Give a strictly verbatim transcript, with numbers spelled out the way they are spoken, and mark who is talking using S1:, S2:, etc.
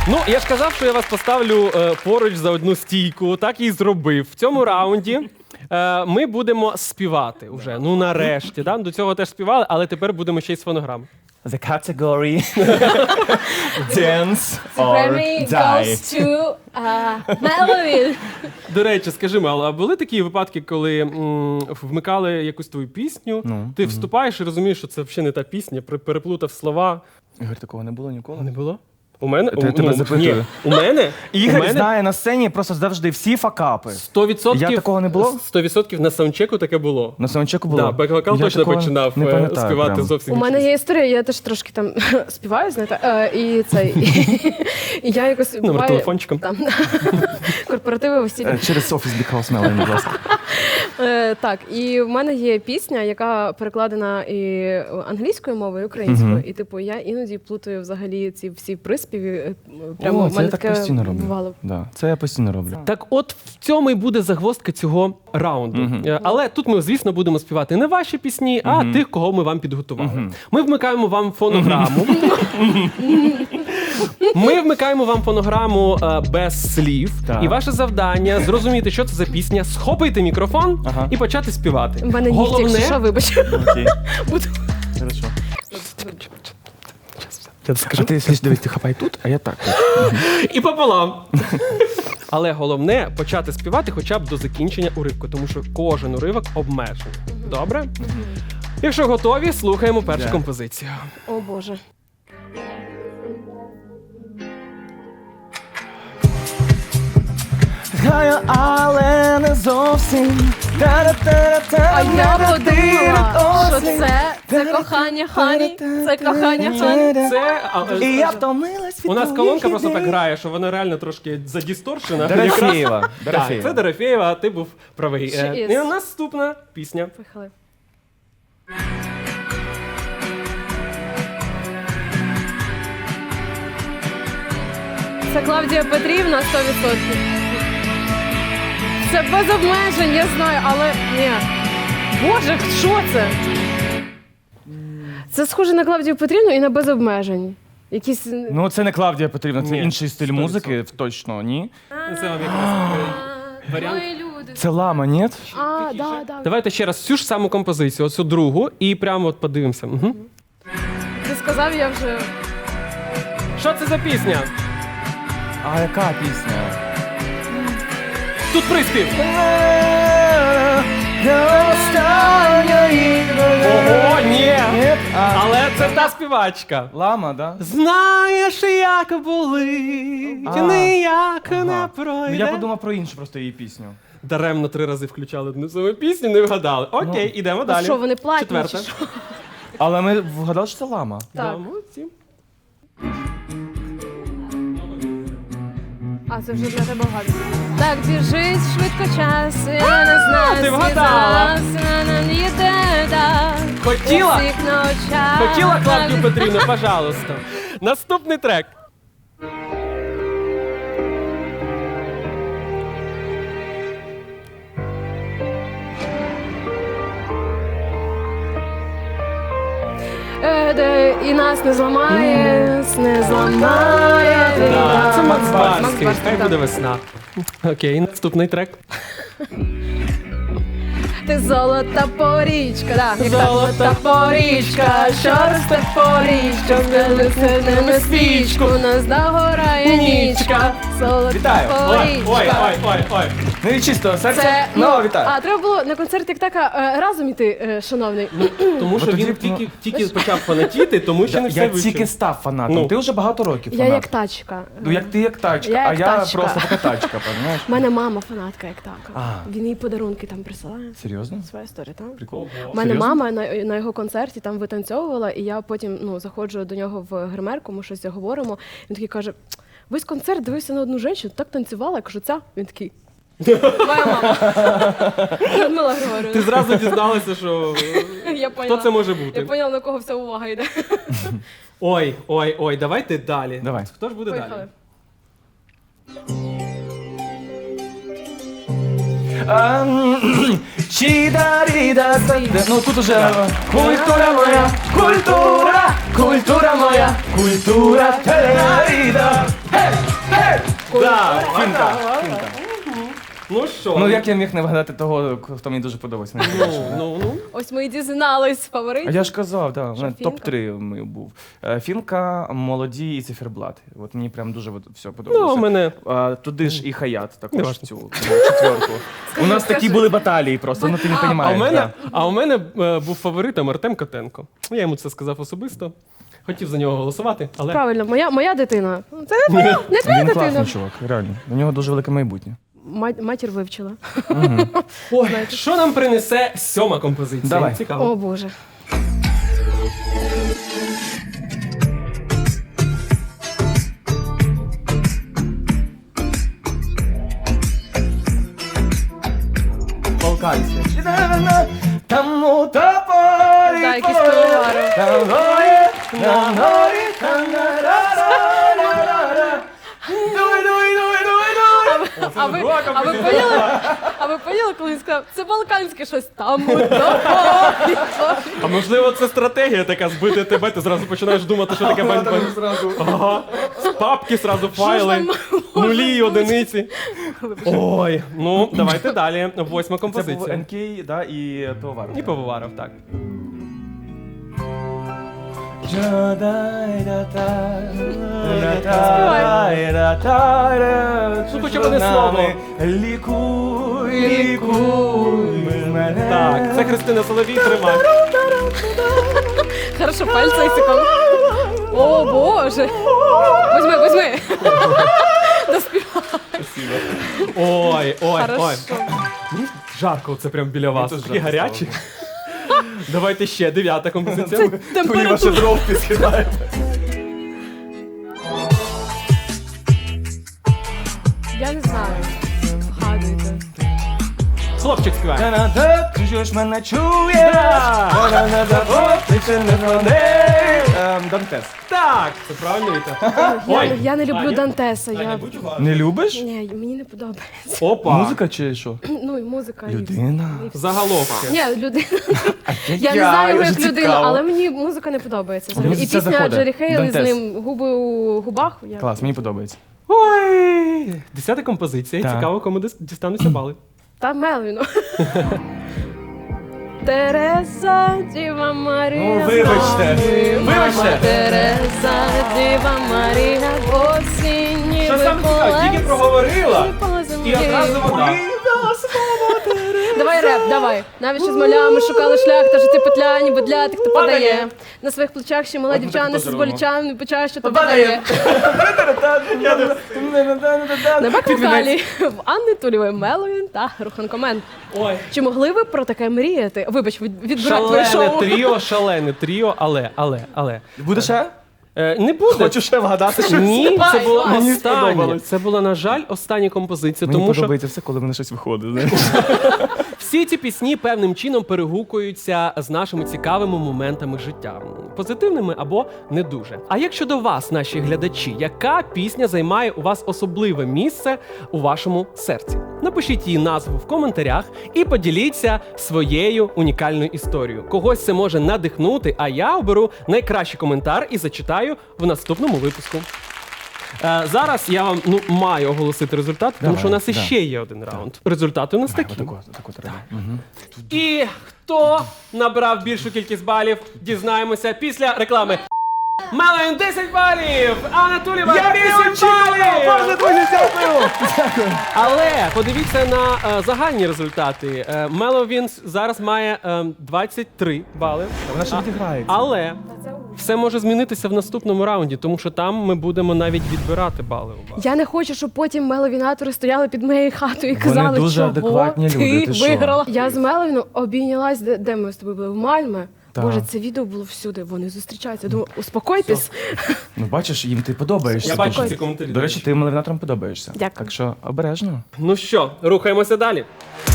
S1: Ну, я ж казав, що я вас поставлю е, поруч за одну стійку, так і зробив. В цьому раунді е, ми будемо співати вже. Ну, нарешті. Да? До цього теж співали, але тепер будемо ще й з фонограми.
S2: The category dance or
S3: Grammy
S2: die.
S3: goes to uh, Melvin.
S1: До речі, скажи, Мел, а були такі випадки, коли м, вмикали якусь твою пісню,
S2: Ну,
S1: ти вступаєш і розумієш, що це взагалі не та пісня, пере- переплутав слова.
S2: Ігор, такого не було ніколи?
S1: Не було? У мене?
S2: Я
S1: у,
S2: тебе запитую.
S1: Ні, у мене?
S2: Ігор
S1: у мене
S2: знає на сцені просто завжди всі факапи.
S1: сто відсотків,
S2: Я такого не було?
S1: сто відсотків на саундчеку таке було.
S2: На саундчеку було?
S1: Да, бек-вокал
S2: Я
S1: точно
S2: такого
S1: починав
S2: не
S1: е,
S2: пам'ятаю
S1: співати
S2: прям.
S1: зовсім
S3: У мене
S1: інші
S3: є історія, я теж трошки там співаю, знаєте, е, і цей. І я якось
S1: Номер
S3: буває,
S1: телефончиком.
S3: там корпоративи весілля.
S2: Е, Через офіс Бікхаус Мелені, будь ласка.
S3: Е, так, і в мене є пісня, яка перекладена і англійською мовою, і українською. І типу я іноді плутаю взагалі ці всі приспіви. е, Прямо
S2: О,
S3: в
S2: це
S3: мене
S2: я так
S3: таке
S2: постійно роблю.
S3: бувало.
S2: Да, це я постійно роблю.
S1: Так от в цьому і буде загвоздка цього раунду. Е, Але тут ми, звісно, будемо співати не ваші пісні, а тих, кого ми вам підготували. Ми вмикаємо вам фонограму. Ми вмикаємо вам фонограму е, без слів.
S2: Так.
S1: І ваше завдання зрозуміти, що це за пісня, схопити мікрофон
S2: Ага.
S1: і почати співати.
S3: У мене нігті, якщо що, вибач.
S2: Окей.
S3: Буду.
S2: Хорошо.
S1: Я скажу.
S2: А ти, слідь, дивись, ти хапай тут, а я так.
S1: І пополам. Але головне почати співати хоча б до закінчення уривку, тому що кожен уривок обмежений. Добре? Якщо готові, слухаємо першу
S2: Да.
S1: композицію.
S3: О Боже.
S2: Граю, але не зовсім.
S3: А я подумала, що це, це кохання Хані, це кохання Хані.
S1: Це а, е,
S2: І я втомилась від
S1: у нас
S2: твоїх
S1: колонка просто
S2: ідей.
S1: так грає, що вона реально трошки задісторшена.
S2: Дорофєєва.
S1: Так,
S2: Дорофєєва.
S1: це Дорофєєва, а ти був правий.
S3: She
S1: Е,
S3: is.
S1: І наступна пісня.
S3: Поїхали. Це Клавдія Петрівна сто відсотків. Це без обмежень, я знаю, але ні. Боже, що це? Це схоже на Клавдію Петрівну і на без обмежень. Якісь.
S2: Ну, це не Клавдія Петрівна, це
S1: Ні,
S2: інший стиль
S1: сто
S2: музики, точно, ні.
S1: Це вам якраз е, варіант.
S3: Ой, люди.
S2: Це лама, ні?
S3: А, да, да.
S1: Давайте ще раз цю ж саму композицію, оцю другу, і прямо от подивимося. Угу.
S3: Ти сказав, я вже.
S1: Що це за пісня?
S2: А яка пісня?
S1: Тут приспів.
S2: Ого,
S1: ні.
S2: А,
S1: Але це та співачка.
S2: лама, да?
S1: Знаєш, як болить,
S2: А.
S1: ніяк
S2: Ага.
S1: не
S2: Ну,
S1: пройде.
S2: я подумав про іншу просто її пісню.
S1: Даремно три рази включали одну саму пісню, не вгадали. Окей, ідемо
S3: Ну
S1: далі.
S3: що, вони платні
S1: Четверта.
S3: чи що?
S2: Але ми вгадали, що це лама.
S1: Да,
S3: Так.
S1: молодці.
S3: А, це вже для тебе гадно. Так біжить швидко час, я не знаю,
S1: ти вгадала.
S3: їде, да.
S1: Хотіла?
S3: У всіх на очах.
S1: Хотіла Клавдію Петрівну, пожалуйста. Наступний трек.
S3: Е, де і нас не зламає, не зламає.
S1: Да,
S3: війна.
S1: це Макс
S3: Макс
S1: Барський.
S3: Барський,
S1: Хай
S3: да.
S1: буде весна. Окей, наступний трек.
S3: Ти золота порічка, да, як так.
S1: Золота порічка,
S3: що росте порічка, не на свічку, нас догорає нічка. Золота
S2: Вітаю.
S1: Ой, ой,
S3: порічка.
S1: ой, ой, ой.
S2: Ну і чисто серце.
S3: Це,
S2: Ну, вітаю.
S3: А, треба було на концерт як така е, разом іти, е, шановний.
S1: Тому що
S2: тоді,
S1: він
S2: ну,
S1: тільки, тільки почав фанатіти, тому що не все
S2: Я
S1: вивчив.
S2: тільки став фанатом.
S1: Ну.
S2: Ти вже багато років
S3: Я
S2: фанат.
S3: як тачка.
S2: Ну, як ти як тачка,
S3: Я
S2: а
S3: як
S2: я
S3: тачка.
S2: просто така тачка, розумієш?
S3: У мене мама фанатка як така.
S2: А.
S3: Він їй подарунки там присилає.
S2: Серйозно?
S3: Своя історія, так?
S2: Прикол.
S3: У мене
S2: Серйозно?
S3: мама на, на його концерті там витанцьовувала, і я потім ну, заходжу до нього в гримерку, ми щось говоримо. Він такий каже: весь концерт дивився на одну жінку, так танцювала, я кажу, ця. Він такий. Моя мама. Людмила
S1: Ти
S3: Григорівна.
S1: зразу дізналася, що
S3: Я
S1: хто
S3: поняла.
S1: це може
S3: Я
S1: бути.
S3: поняла, на кого вся увага йде.
S1: Ой, ой, ой, давайте далі.
S2: Давай.
S1: Хто ж буде
S3: Поїхали.
S1: далі?
S2: Чідаріда. Ну тут уже культура моя, культура, культура моя, культура. Тараріда.
S1: Да,
S2: Фінка. Фінка.
S1: Ну що?
S2: Ну як я міг не вгадати того, хто мені дуже подобається?
S1: Ну, ну, ну.
S3: Ось ми і дізнались
S2: А
S3: фаворит.
S2: я ж казав, да, у
S3: Що,
S2: мене
S3: Фінка?
S2: топ три мій був. Е, Фінка, молоді і циферблат. От мені прям дуже от все подобалося.
S1: Ну, у мене
S2: А, туди ж і Хаят також
S1: Неважно.
S2: в цю четверку. У нас такі були баталії просто, ну ти не
S3: А,
S1: А у
S2: розумієш.
S1: мене, а у мене е, був фаворитом Артем Котенко. Я йому це сказав особисто. Хотів за нього голосувати, але
S3: Правильно, моя, моя дитина. Це не твоя, не твоя
S2: Він
S3: дитина.
S2: класний чувак, реально. У нього дуже велике майбутнє.
S3: Ма- матір вивчила.
S1: ой, що нам принесе сьома композиція?
S2: Давай.
S1: Цікаво.
S3: О Боже.
S2: Балканське. Там у тополі
S3: Да, якийсь пивоваров.
S2: Там горі, там горі, там на-ра-ра-ра-ра-ра. Дуй, дуй, дуй, дуй, дуй.
S3: А ви, а ви поняли? А ви поняли, коли він сказав, це балканське щось там у тополі.
S1: А можливо, це стратегія така збити тебе, ти зразу починаєш думати, що таке бань
S2: Там зразу.
S1: Ага. З папки зразу файли, нулі і одиниці. Ой, ну давайте далі. Восьма
S2: Це був
S1: композиція.
S2: ен кей, да, і пивовар.
S1: І пивоваров, так.
S2: Ну,
S1: хоча б одне слово.
S2: Лікуй, лікуй мене.
S1: Так, це Христина Соловій, тримай.
S3: Хорошо, пальцем. О Боже. Возьми, возьми. Доспівай.
S1: Ой, ой, ой.
S3: Хорошо.
S1: Мені жарко це прям біля вас.
S2: теж
S1: Такі
S2: жарко
S1: гарячі. Давайте ще дев'ята композиція.
S2: Мені ваші дров підскидають.
S3: Я не знаю. Вгадуйте.
S1: Хлопчик співає.
S2: Канада, ти ж мене чує.
S1: Так.
S2: Канада, о, ти ще не мене. Ем, Дантес.
S1: Так, це правильно Віта.
S3: Я,
S1: Ой,
S3: я не люблю
S1: Аня?
S3: Дантеса. Я...
S2: Не любиш?
S3: Ні, мені не подобається.
S1: Опа.
S2: Музика чи що?
S3: Ну і музика. і-
S2: Людина.
S3: і все.
S1: Заголовки.
S3: Ні, людина. Я не знаю його як людину, але мені музика не подобається. взагалі.
S2: Мені
S3: І
S2: це
S3: пісня
S2: заходить.
S3: Джері Хейл з
S2: Дантес.
S3: ним губи у губах. Я...
S2: Клас, мені подобається.
S1: Ой. Десята композиція.
S2: Так.
S1: Цікаво, кому дис- дістануться бали.
S3: Та Мелвіну. Тереза, Діва Марія.
S2: Ну, вибачте. Вибачте.
S3: Тереза, Діва Марія, осінні
S1: Що саме цікаво, тільки проговорила, і одразу вона.
S3: Давай реп, давай. Навіть ще з малями шукали шлях, та жити петля, ніби для тих, хто
S1: Падає.
S3: подає. На своїх плечах ще мала
S2: От ми
S3: дівчина
S2: так
S3: з
S2: теж
S3: болічами, не почає, що то
S2: Падає.
S3: падає. На бек-вокалі в Анни Тулєвої Меловін та Руханкомен.
S1: Ой.
S3: Чи могли ви про таке мріяти? Вибач, від- відбирати твоє
S1: Шалене
S3: шоу.
S1: тріо, шалене тріо, але, але, але.
S2: Буде ще?
S1: Е, не буде.
S2: Хочу ще вгадати щось.
S1: Ні, це
S3: Давай,
S1: була
S3: давай.
S2: Мені
S1: остання.
S2: сподобалось.
S1: Це була, на жаль, остання композиція,
S2: Мені
S1: тому що
S2: подобається все, коли в мене щось виходить. знаєш.
S1: всі ці пісні певним чином перегукуються з нашими цікавими моментами життя, позитивними або не дуже. А як щодо вас, наші глядачі, яка пісня займає у вас особливе місце у вашому серці? Напишіть її назву в коментарях і поділіться своєю унікальною історією. Когось це може надихнути, а я оберу найкращий коментар і зачитаю в наступному випуску. Е, зараз я вам ну маю оголосити результати, тому
S2: Давай,
S1: що у нас
S2: да.
S1: іще є один раунд. Результати у нас такі.
S2: Отако, отако треба. Мгм.
S1: І хто набрав більшу кількість балів, дізнаємося після реклами. Меловін десять балів! Анна Тулєва вісім балів!
S2: дуже дякую! Дякую.
S1: Але подивіться на е, загальні результати. Е, Меловін зараз має е, двадцять три бали.
S2: Вона ще
S1: А-
S2: відіграється.
S1: Але все може змінитися в наступному раунді, тому що там ми будемо навіть відбирати бали у вас.
S3: Я не хочу, щоб потім меловінатори стояли під моєю хатою і казали,
S2: дуже
S3: чого
S2: адекватні
S3: ти
S2: люди, ти що?
S3: виграла. Я з Меловіном обійнялась, де, де ми з тобою були? В Мальме.
S2: Так.
S3: Боже, це відео було всюди, вони зустрічаються. Я думаю, успокойтесь.
S2: Ну бачиш, їм ти подобаєшся.
S1: Я бачу
S3: Спокійно.
S1: ці коментарі.
S2: До речі, ти малевінаторам подобаєшся.
S3: Дякую.
S2: Так що обережно.
S1: Ну що, рухаємося далі.